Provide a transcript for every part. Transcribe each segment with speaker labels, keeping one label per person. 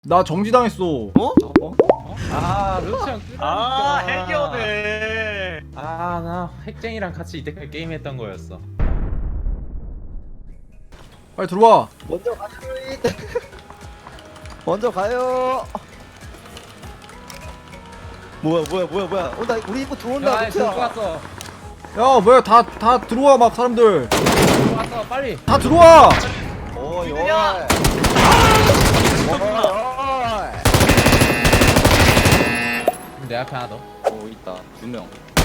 Speaker 1: 나 정지당했어.
Speaker 2: 어?
Speaker 3: 아 루치형
Speaker 2: 아 핵이오네.
Speaker 3: 아나 핵쟁이랑 같이 이때까지 게임했던 거였어.
Speaker 1: 빨리 들어와.
Speaker 4: 먼저 가요. 먼저 가요. 뭐야. 나 우리 입구 들어온다.
Speaker 3: 야 들고 왔어.
Speaker 1: 야 뭐야 다 들어와 막 사람들.
Speaker 3: 들고 왔어 빨리.
Speaker 1: 다 들어와.
Speaker 4: 어이.
Speaker 2: 누구냐?
Speaker 3: 내 앞에 하나 더.
Speaker 4: 오 있다. 2명.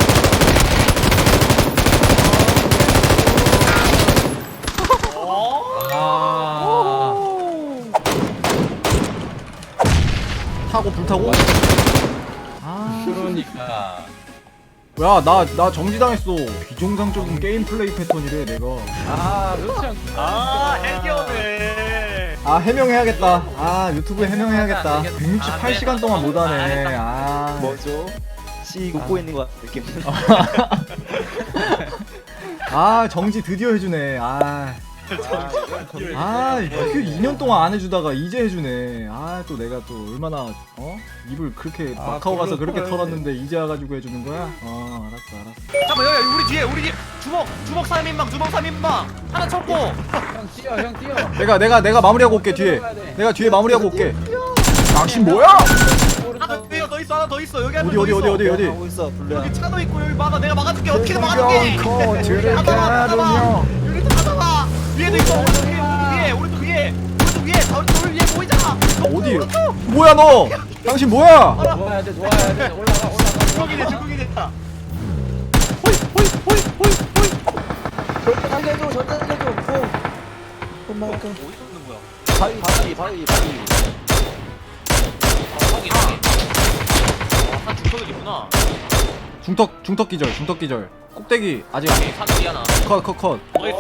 Speaker 3: 아.
Speaker 1: 타고 불타고. 아.
Speaker 3: 그러니까.
Speaker 1: 야 나 정지당했어. 비정상적인 게임 플레이 패턴이래 내가.
Speaker 3: 아 루치형.
Speaker 2: 아 핵이오네.
Speaker 1: 아 해명해야겠다. 아 유튜브에 해명해야겠다.
Speaker 3: 안 되겠다.
Speaker 1: 168시간 동안 못하네. 아.
Speaker 4: 뭐죠? 씨 웃고 있는 것 같은 느낌.
Speaker 1: 아 정지 드디어 해주네. 아. 그 2년 동안 안 해주다가 이제 해주네. 아 또 내가 또 얼마나 입을 그렇게 마카오 가서 그렇게 털었는데 이제 와가지고 해주는 거야? 알았어.
Speaker 2: 잠깐만 여기 우리 뒤에 주먹 3인방 하나 쳤고.
Speaker 3: 형 뛰어 형 뛰어.
Speaker 1: 내가 마무리하고 올게 뒤에. 내가 뒤에 마무리하고 올게. 당신 뭐야?
Speaker 2: 하나 더 있어 하나 더 있어 여기
Speaker 1: 어디
Speaker 4: 하고 있어. 불러.
Speaker 2: 여기 차도 있고 여기 내가 막아줄게 어떻게든 막아줄게. 받아봐 여기도 받아봐. 위에도 있어 오른쪽 위에 돌 위에 보이잖아.
Speaker 1: 어디? 뭐야 너? 당신 뭐야?
Speaker 3: 좋아야 돼 올라가.
Speaker 2: 중국이네.
Speaker 4: 절대 살려줘. 엄마.
Speaker 2: 어디서 오는 거야?
Speaker 4: 바위.
Speaker 2: 한 중턱이구나.
Speaker 1: 중턱 기절. 꼭대기 아직
Speaker 2: 사람이 하나.
Speaker 1: 컷.
Speaker 2: 나이스.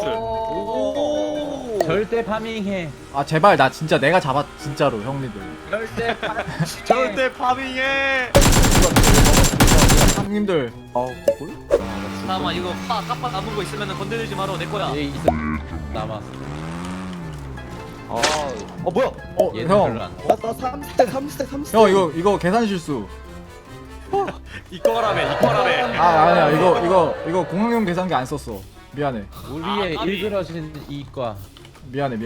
Speaker 3: 절대 파밍해.
Speaker 1: 아 제발 나 진짜 내가 잡았 진짜로 형님들.
Speaker 3: 절대
Speaker 2: 절대 파밍해.
Speaker 1: 형님들.
Speaker 4: 아우 뭘?
Speaker 2: 잠깐만 이거 까빠 남은 거 있으면 건드리지 마라 내 거야.
Speaker 3: 얘 있어 남았어.
Speaker 4: 뭐야?
Speaker 3: 얘는 별로
Speaker 1: 형.
Speaker 3: 안.
Speaker 4: 나 3스택.
Speaker 1: 형 이거 계산 실수.
Speaker 2: 이거라며.
Speaker 1: 아니야 이거 공항용 계산기 안 썼어. 미안해.
Speaker 3: 우리의
Speaker 2: 까비.
Speaker 3: 일그러진 이과.
Speaker 1: 미안해.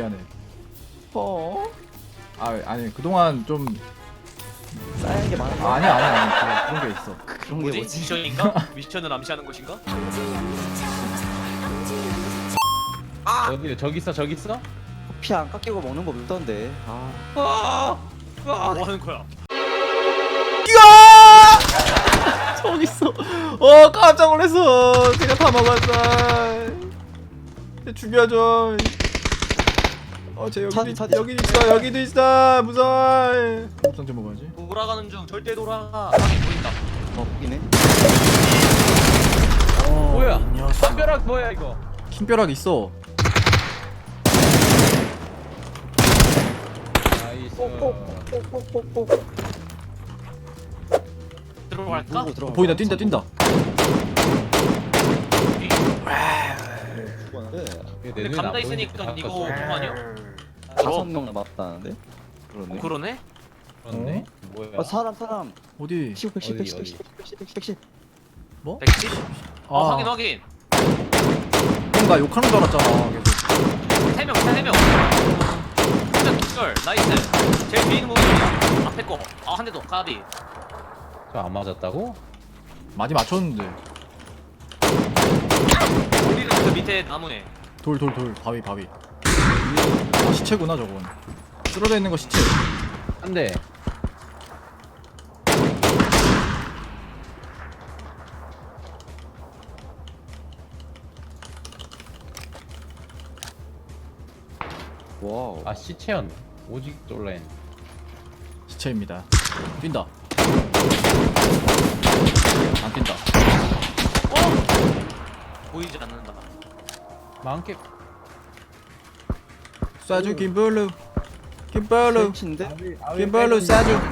Speaker 1: 아니 그동안 좀
Speaker 4: 쌓이는 게 많아.
Speaker 1: 아니야 그런 게 있어.
Speaker 4: 그런 게
Speaker 2: 뭐지?
Speaker 4: 뭐지?
Speaker 2: 미션인가? 미션을 암시하는 것인가?
Speaker 3: 저기 있어?
Speaker 4: 피 안 깎이고 먹는 거 없던데.
Speaker 2: 뭐 하는 거야?
Speaker 1: 저기 있어. 깜짝 놀랐어. 제가 다 먹었어. 죽여줘. 쟤 여기도 있어. 무서워. 곱상점 먹어야지.
Speaker 2: 돌아가는 중 절대 돌아가. 보인다.
Speaker 4: 보이네.
Speaker 3: 뭐야? 담벼락 뭐야 이거?
Speaker 1: 킹벼락 있어.
Speaker 3: 나이스.
Speaker 2: 들어갈까?
Speaker 1: 보인다. 뛴다.
Speaker 2: 근데 감자 있으니까 이거 그거 아니야?
Speaker 4: 5명 남았다는데? 그러네.
Speaker 2: 그러네?
Speaker 3: 그렇네. 뭐야?
Speaker 4: 사람.
Speaker 1: 어디?
Speaker 4: 110.
Speaker 1: 뭐?
Speaker 2: 110? 확인.
Speaker 1: 형 나 욕하는 줄 알았잖아. 계속.
Speaker 2: 3명 진짜 기절 나이스. 제일 뒤에 있는 거 앞에 거. 한 대 더 가비.
Speaker 3: 저안 맞았다고?
Speaker 1: 많이 맞췄는데.
Speaker 2: 우리는 그 밑에 나무네.
Speaker 1: 돌 바위. 시체구나 저건. 쓰러져 있는 거 시체.
Speaker 3: 한 대.
Speaker 4: 와우.
Speaker 3: 아 시체였네. 오직 놀라인.
Speaker 1: 시체입니다. 뛴다. 안 뛴다.
Speaker 2: 보이지 않는다.
Speaker 3: 많게.
Speaker 1: 쏴줘 김블루.
Speaker 4: 셋인데?
Speaker 1: 김블루 쏴줘.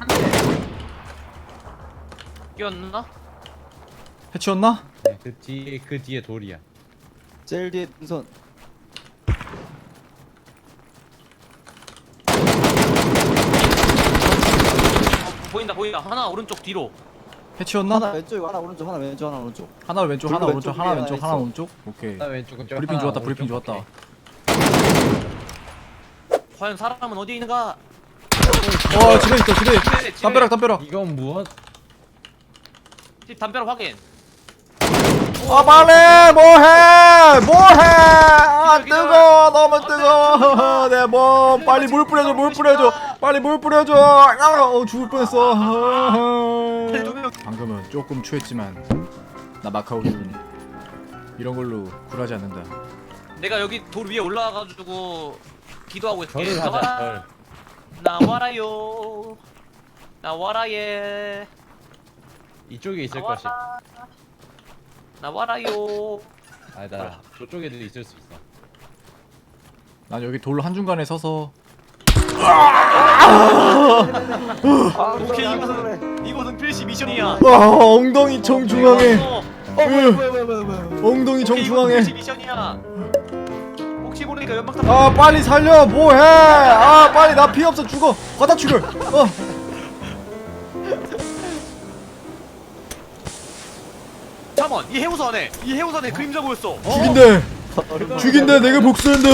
Speaker 2: 끼었나?
Speaker 1: 해치웠나?
Speaker 3: 네, 그 뒤에 돌이야.
Speaker 4: 제일 뒤에 우선
Speaker 2: 보인다. 하나 오른쪽 뒤로.
Speaker 1: 해치웠나?
Speaker 4: 하나 왼쪽 하나 오른쪽 하나 왼쪽 하나 오른쪽.
Speaker 1: 하나 왼쪽 하나
Speaker 4: 둘
Speaker 1: 오른쪽
Speaker 4: 왼쪽
Speaker 1: 하나
Speaker 4: 위에
Speaker 1: 왼쪽
Speaker 4: 하나
Speaker 1: 하나
Speaker 4: 있어.
Speaker 1: 오른쪽. 오케이.
Speaker 3: 나 왼쪽은 저
Speaker 1: 브리핑
Speaker 3: 하나,
Speaker 1: 좋았다. 브리핑
Speaker 3: 오른쪽
Speaker 1: 좋았다.
Speaker 2: 과연 사람은 어디에 있는가?
Speaker 1: 집에 있다. 집에.
Speaker 2: 집에.
Speaker 1: 담벼락 담벼락.
Speaker 3: 이건 무엇?
Speaker 2: 집 담벼락 확인.
Speaker 1: 빨리 뭐해 아 뜨거워 너무 뜨거워 내 몸 빨리 물 뿌려줘 빨리 물 뿌려줘 죽을 뻔했어 방금은 조금 취했지만 나 마카오 기분 이런 걸로 굴하지 않는다.
Speaker 2: 내가 여기 돌 위에 올라와가지고 기도하고 있을게.
Speaker 3: 절을 하자. 절.
Speaker 2: 나와라요. 나와라예.
Speaker 3: 이쪽에 있을 것이.
Speaker 2: 나와라요.
Speaker 3: 아니다. 저쪽에도 있을 수 있어.
Speaker 1: 난 여기 돌 한중간에 서서
Speaker 2: 오케이 이곳은 필시 미션이야.
Speaker 1: 엉덩이 정중앙에 엉덩이
Speaker 2: 오케이, 이곳은
Speaker 1: 정중앙에
Speaker 2: 필시 미션이야. 혹시 모르니까 연막탄.
Speaker 1: 빨리 살려 뭐해 빨리 나 피 없어 죽어 바다 출혈
Speaker 2: 잠깐만 이 해우선에 그림자 보였어.
Speaker 1: 죽인대 내가 복수한다.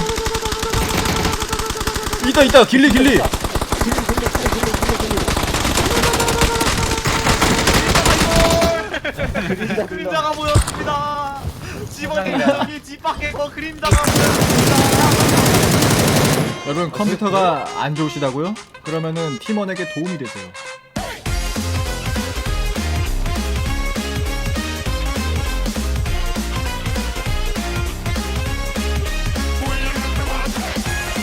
Speaker 1: 있다 길리
Speaker 2: 그림자가 보였습니다. 집안에 여기 집 밖에 그림자가 보였습니다.
Speaker 1: 여러분 컴퓨터가 안 좋으시다고요? 그러면은 팀원에게 도움이 되세요.